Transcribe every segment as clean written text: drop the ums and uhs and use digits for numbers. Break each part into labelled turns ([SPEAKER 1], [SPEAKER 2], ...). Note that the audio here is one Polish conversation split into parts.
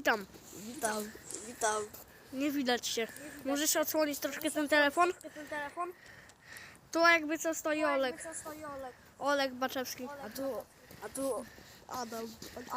[SPEAKER 1] Witam.
[SPEAKER 2] Witam.
[SPEAKER 1] Nie widać się. Możesz odsłonić troszkę ten telefon? Tu jakby co stoi Olek. Olek Baczewski.
[SPEAKER 2] A tu Adam.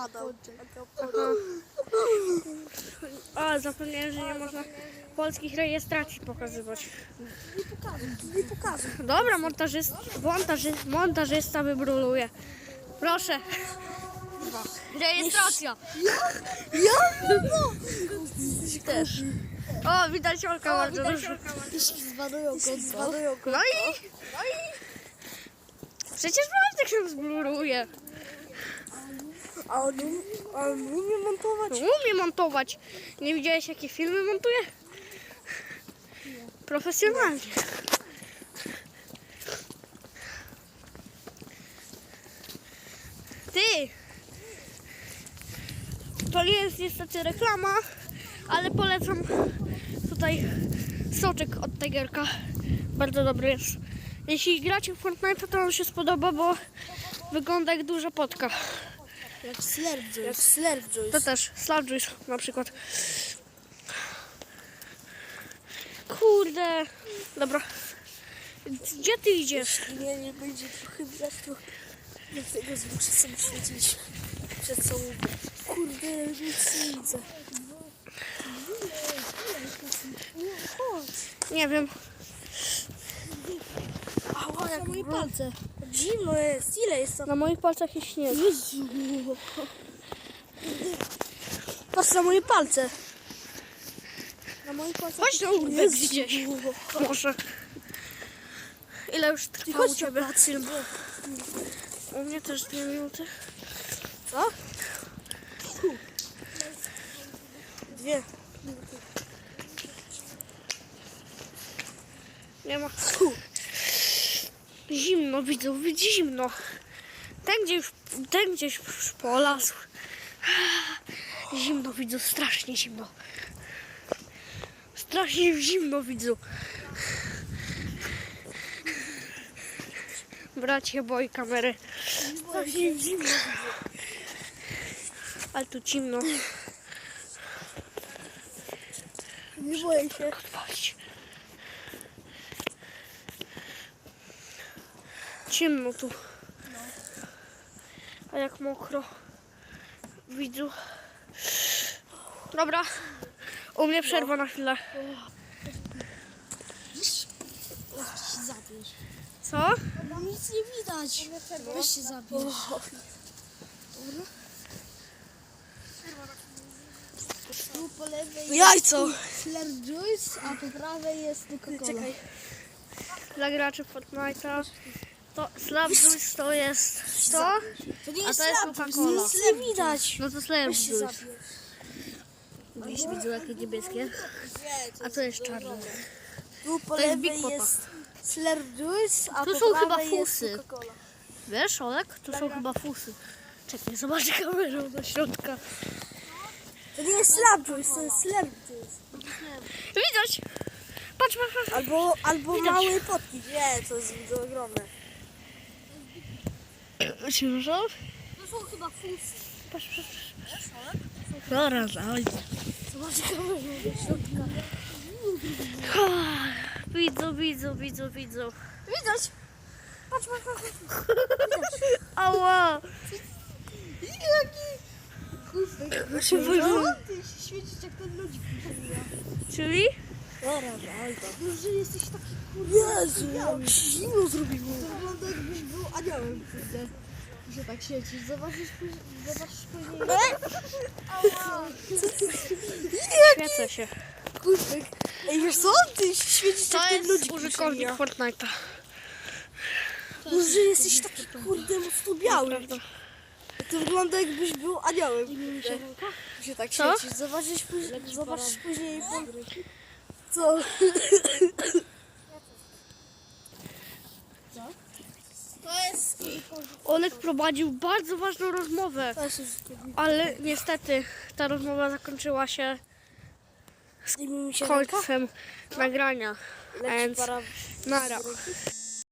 [SPEAKER 1] A, zapomniałem, że nie można polskich rejestracji pokazywać.
[SPEAKER 2] Nie pokażę.
[SPEAKER 1] Dobra, montażysta wybruluje. Proszę. Rejestracja.
[SPEAKER 2] Ja?
[SPEAKER 1] Też. O, widać Olka bardzo dużo.
[SPEAKER 2] Jeśli zbanują konto.
[SPEAKER 1] No i... Przecież Wojtek się zbluruje.
[SPEAKER 2] A on umie montować?
[SPEAKER 1] Umie montować. Nie widziałeś, jakie filmy montuje? Profesjonalnie. Ty! To nie jest niestety reklama, ale polecam tutaj soczek od Tigerka. Bardzo dobry jest. Jeśli gracie w Fortnite, to on się spodoba, bo wygląda jak duża potka.
[SPEAKER 2] Jak Slurp Juice.
[SPEAKER 1] To też, Slurp Juice na przykład. Kurde. Dobra. Gdzie ty idziesz?
[SPEAKER 2] Nie będzie trochę widać, to dlatego muszę sobie świecić przed sobą. Kurde, nic nie widzę.
[SPEAKER 1] Nie wiem.
[SPEAKER 2] Ała, jak moje palce. Zimno jest. Ile jest to?
[SPEAKER 1] Na moich palcach jest śnieg.
[SPEAKER 2] Jezu. Patrz na moje palce. Na moich palcach.
[SPEAKER 1] Chodź na urbek gdzieś. Może. Ile już trwa u ciebie? U mnie też 2 minuty.
[SPEAKER 2] Co? 2.
[SPEAKER 1] Nie ma. Zimno, widzę, zimno. Ten gdzieś już polasł. Zimno widzę, strasznie zimno. Strasznie zimno widzę. Bracie, boi kamery.
[SPEAKER 2] Strasznie zimno.
[SPEAKER 1] Ale tu zimno.
[SPEAKER 2] Nie boję się.
[SPEAKER 1] Odpalić. Ciemno tu. A jak mokro. Widzę. Dobra. U mnie przerwa na chwilę.
[SPEAKER 2] Weź się zabierz.
[SPEAKER 1] Co?
[SPEAKER 2] Mam nic nie widać. Weź się zabierz. Tu po lewej
[SPEAKER 1] Jajco!
[SPEAKER 2] Slurp Juice, a po prawej jest Coca-Cola.
[SPEAKER 1] Czekaj. Dla graczy Fortnite'a to Slurp Juice to jest to,
[SPEAKER 2] To nie
[SPEAKER 1] a
[SPEAKER 2] jest
[SPEAKER 1] to jest
[SPEAKER 2] Slurp Juice,
[SPEAKER 1] Coca-Cola.
[SPEAKER 2] nic nie widać.
[SPEAKER 1] No to Slurp
[SPEAKER 2] Weź się
[SPEAKER 1] Juice.
[SPEAKER 2] zabierz.
[SPEAKER 1] Widzisz, widzę jakie niebieskie. A to jest czarne.
[SPEAKER 2] Tu po
[SPEAKER 1] To jest
[SPEAKER 2] lewej
[SPEAKER 1] Big Popa.
[SPEAKER 2] jest Slurp Juice, a
[SPEAKER 1] Tu
[SPEAKER 2] po
[SPEAKER 1] są chyba
[SPEAKER 2] prawej jest
[SPEAKER 1] fusy.
[SPEAKER 2] Coca-Cola.
[SPEAKER 1] Wiesz, Olek? Tu są chyba fusy. Czekaj, zobaczę kamerą do środka.
[SPEAKER 2] To nie jest Slurp Juice, to jest Slurp Juice.
[SPEAKER 1] Widać! Patrz, patrz, patrz.
[SPEAKER 2] Albo
[SPEAKER 1] Widać.
[SPEAKER 2] małe potki. Nie, to jest ogromne.
[SPEAKER 1] Ciężar?
[SPEAKER 2] To są chyba fusy.
[SPEAKER 1] Patrz, patrz, patrz. Zaraz, oj.
[SPEAKER 2] Zobacz kamerą do środka.
[SPEAKER 1] Widzę, widzę, widzę, widzę.
[SPEAKER 2] Widać? Patrz, patrz, patrz.
[SPEAKER 1] Ała!
[SPEAKER 2] Jaki? Ty się świecić jak ten ludzik.
[SPEAKER 1] Czyli?
[SPEAKER 2] Że jesteś taki kurde. Jezu, jak się zimno zrobiło. To wygląda jakbyś był aniołem. Że tak świecisz. Zobaczysz później.
[SPEAKER 1] Świecę się.
[SPEAKER 2] Kuszek. Ej, wiesz co? Ty się świecisz
[SPEAKER 1] To
[SPEAKER 2] jak ten
[SPEAKER 1] jest
[SPEAKER 2] ludzik.
[SPEAKER 1] użytkownik Fortnite'a.
[SPEAKER 2] Że jesteś taki kurde mocno biały.
[SPEAKER 1] Prawda.
[SPEAKER 2] To wygląda jakbyś był aniołem. Się tak
[SPEAKER 1] Co?
[SPEAKER 2] świecisz. Zobaczysz później. Co? To jest...
[SPEAKER 1] Olek prowadził bardzo ważną rozmowę, ale niestety ta rozmowa zakończyła się
[SPEAKER 2] Zdejmij mi się ręka.
[SPEAKER 1] końcem nagrania.
[SPEAKER 2] Leci
[SPEAKER 1] Więc
[SPEAKER 2] para...
[SPEAKER 1] nara.